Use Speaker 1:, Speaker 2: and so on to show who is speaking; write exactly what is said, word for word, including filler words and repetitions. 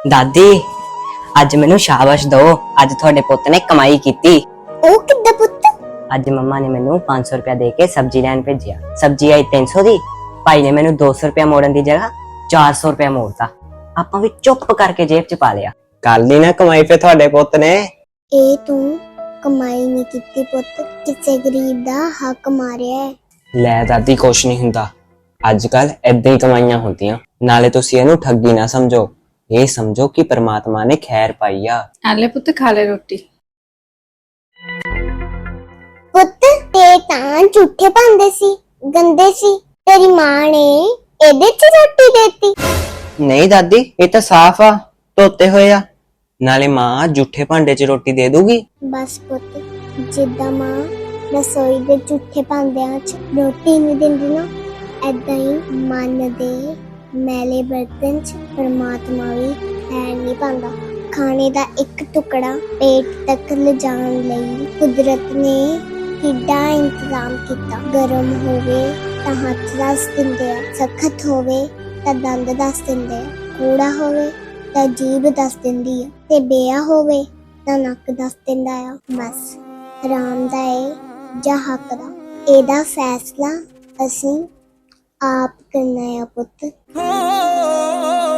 Speaker 1: दादी अज मैनू शाबाश दो। अज थोड़े पुत ने कमाई की।
Speaker 2: ओ किद्दां पुत्त?
Speaker 1: अज मम्मा ने मैनू पांच सौ रुपया दे के सब्जी लैन भेजिया। सब्जी आई तीन सौ दी। भाई ने मैनू दो सौ रुपया मोड़न की जगह चार सौ रुपया मोड़ता। आपां भी चुप करके जेब च पा लिया।
Speaker 3: कर ली ना कमाई फिर थोड़े पुत ने।
Speaker 2: ए तू कमाई नहीं कीती पुत्त, किसे गरीब दा हक मारिया है।
Speaker 3: ਲੈ ਦਾਦੀ ਕੁਛ ਨਹੀਂ ਹੁੰਦਾ। ਅੱਜ ਕੱਲ ਏਦਾਂ ਹੀ ਕਮਾਈਆਂ ਹੁੰਦੀਆਂ। ਨਾਲੇ ਤੁਸੀਂ ਇਹਨੂੰ ਠੱਗੀ ਨਾ ਸਮਝੋ, ਇਹ ਸਮਝੋ ਕਿ परमात्मा ने खैर पाई आ।
Speaker 4: आले पुत खा ले रोटी।
Speaker 2: पुत्त ते तां झूठे पांदे सी, गंदे सी। तेरी मां ने एदे च रोटी देती।
Speaker 3: नहीं दादी ये तो साफ आ, धोते होए आ। नाले मां झूठे भांडे च रोटी दे दूगी।
Speaker 2: बस पुत्त जिद्दां मां रसोई दे झूठे भांडिਆਂ ਚ ਰੋਟੀ ਨਹੀਂ ਦਿੰਦੀ ਨਾ, ਐਦਾਂ ਹੀ ਮਨ ਦੇ ਮੈਲੇ ਬਰਤਨ ਚ ਪਰਮਾਤਮਾ ਵੀ ਖੈਰ ਨਹੀਂ ਪਾਉਂਦਾ। ਖਾਣੇ ਦਾ ਇੱਕ ਟੁਕੜਾ ਪੇਟ ਤੱਕ ਲਿਜਾਣ ਲਈ ਕੁਦਰਤ ਨੇ ਕਿੱਡਾ ਇੰਤਜ਼ਾਮ ਕੀਤਾ। ਗਰਮ ਹੋਵੇ ਤਾਂ ਹੱਥ ਦੱਸ ਦਿੰਦੇ ਆ, ਸਖਤ ਹੋਵੇ ਤਾਂ ਦੰਦ ਦੱਸ ਦਿੰਦੇ ਆ, ਕੂੜਾ ਹੋਵੇ ਤਾਂ ਜੀਭ ਦੱਸ ਦਿੰਦੀ ਆ, ਤੇ ਬੇਆ ਹੋਵੇ ਤਾਂ ਨੱਕ ਦੱਸ ਦਿੰਦਾ ਆ। ਬਸ ਹਰਾਮ ਦਾ ਏ ਜਾਂ ਹੱਕ ਦਾ, ਇਹਦਾ ਫੈਸਲਾ ਅਸੀਂ ਆਪ ਕਰਨਾ ਆ ਪੁੱਤ।